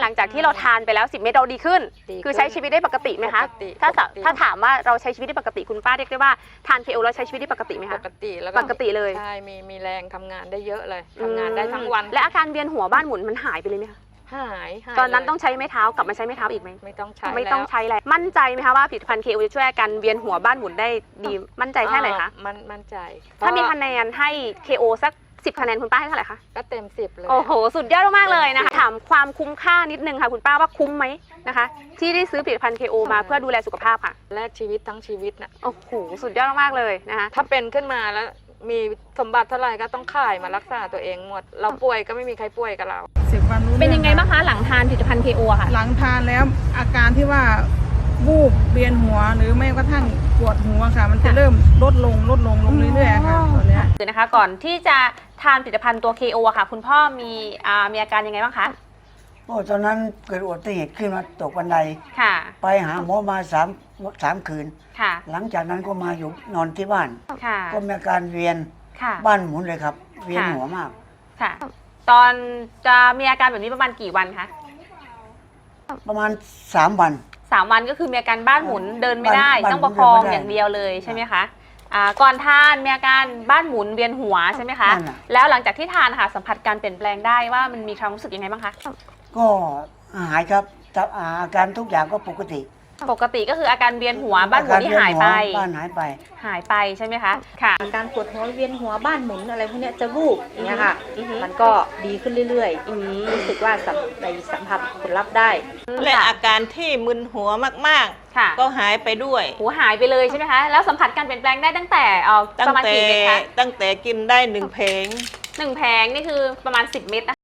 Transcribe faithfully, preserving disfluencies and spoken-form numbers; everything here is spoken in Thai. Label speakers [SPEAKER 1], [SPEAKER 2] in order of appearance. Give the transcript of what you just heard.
[SPEAKER 1] ลังจากที่เราทานไปแล้วสิบเม็ดเราดีขึ้นคือใช้ชีวิตได้ปกติไหมคะถ้าถ้าถามว่าเราใช้ชีวิตได้ปกติคุณป้าเรียกได้ว่าทาน เค โอ แล้วใช้ชีวิตได้ปกติไหมคะ
[SPEAKER 2] ปกติแล้ว
[SPEAKER 1] ปกติเลย
[SPEAKER 2] ใช่มีมีแรงทำงานได้เยอะเลยทำงานได้ทั้งวัน
[SPEAKER 1] และอาการเวียนหัวบ้านหมุนมันหายไปเลยไหมคะ
[SPEAKER 2] หาย
[SPEAKER 1] ตอนนั้นต้องใช้ไม้เท้ากลับมาใช้ไม้เท้าอีกไหม
[SPEAKER 2] ไม่ต้องใช้
[SPEAKER 1] ไม่ต้องใช้แล้วมั่นใจไหมคะว่าผลิตภัณฑ์ เค โอ จะช่วยอาการเวียนหัวบ้านหมุนได้ดีมั่นใจแค่ไหนคะ
[SPEAKER 2] มันมั่นใจ
[SPEAKER 1] ถ้ามีคะแนนให้ เค โอ สักสิบคะแนนคุณป้าให้เท่าไหร่คะ
[SPEAKER 2] ก็เต็มสิบเลย
[SPEAKER 1] โอ้โหสุดยอดมากเลยนะคะถามความคุ้มค่านิดนึงค่ะคุณป้าว่าคุ้มไหมนะคะที่ได้ซื้อผลิตภัณฑ์ เค โอ มาเพื่อดูแลสุขภาพค่ะ
[SPEAKER 2] แลกชีวิตทั้งชีวิตนะ
[SPEAKER 1] โอ้โหสุดยอดมากเลยนะคะ
[SPEAKER 2] ถ้าเป็นขึ้นมาแล้วมีสมบัติเท่าไหร่ก็ต้องขายมารักษาตัวเองหมดเราป่วยก็ไม่มีใครป่วยกับเรา
[SPEAKER 3] สิบวันรู้
[SPEAKER 1] เป็นยังไงบ้างคะหลังทานผลิตภัณฑ์ เค โอ ค่ะ
[SPEAKER 3] หลังทานแล้วอาการที่ว่าวูบเวียนหัวหรือไม่กระทั่งปวดหัวค่ะมันจะเริ่มลดลงลดลงลงเรื่อยๆค่ะตอนนี้
[SPEAKER 1] คือนะคะก่อนที่จะทานผลิตภัณฑ์ตัว เค โอ ค่ะคุณพ่อมีอ่ามีอาการยังไงบ้างคะ
[SPEAKER 4] โอ้ตอนนั้นเกิดอุบัติเหตุขึ้นมาตกบันได
[SPEAKER 1] ค่ะ
[SPEAKER 4] ไปหาหมอมาสามสามคืน
[SPEAKER 1] ค่ะ
[SPEAKER 4] หลังจากนั้นก็มาอยู่นอนที่บ้าน
[SPEAKER 1] ค่ะ
[SPEAKER 4] ก็มีอาการเวียน
[SPEAKER 1] ค่ะ
[SPEAKER 4] บ้านหมุนเลยครับเวียนหัวมาก
[SPEAKER 1] ค่ะตอนจะมีอาการแบบนี้ประมาณกี่วันคะ
[SPEAKER 4] ประมาณสามวัน
[SPEAKER 1] สามวันก็คือมีอาการบ้านหมุนเดินไม่ได้ต้องประคองอย่างเดียวเลยใช่ไหมคะอ่าก่อนทานมีอาการบ้านหมุนเวียนหัวใช่ไหมคะแล้วหลังจากที่ทานค่ะสัมผัสการเปลี่ยนแปลงได้ว่ามันมีความรู้สึกยังไงบ้างคะ
[SPEAKER 4] ก็หายครับอาการทุกอย่างก็ปกติ
[SPEAKER 1] ปกติก็คืออาการเวียนหัวบ้านหมุนที่หายไป
[SPEAKER 4] บ้านหายไป
[SPEAKER 1] หายไปใช่ไหมคะค่ะ
[SPEAKER 5] อาการปวดหัวเวียนหัวบ้านหมุนอะไรพวกนี้จะวูบอย่างเงี้ยค่ะมันก็ดีขึ้นเรื่อยๆรู้สึกว่าในสัมผัสผลลัพธ์ได้
[SPEAKER 6] และอาการที่มึนหัวมากๆก็หายไปด้วย
[SPEAKER 1] หัวหายไปเลยใช่ไหมคะแล้วสัมผัสการเปลี่ยนแปลงได้ตั้งแต่เออประมาณกี่เม็ดคะ
[SPEAKER 6] ตั้งแต่กินได้หนึ่งเพลง
[SPEAKER 1] หนึ่งแผงนี่คือประมาณสิบเม็ด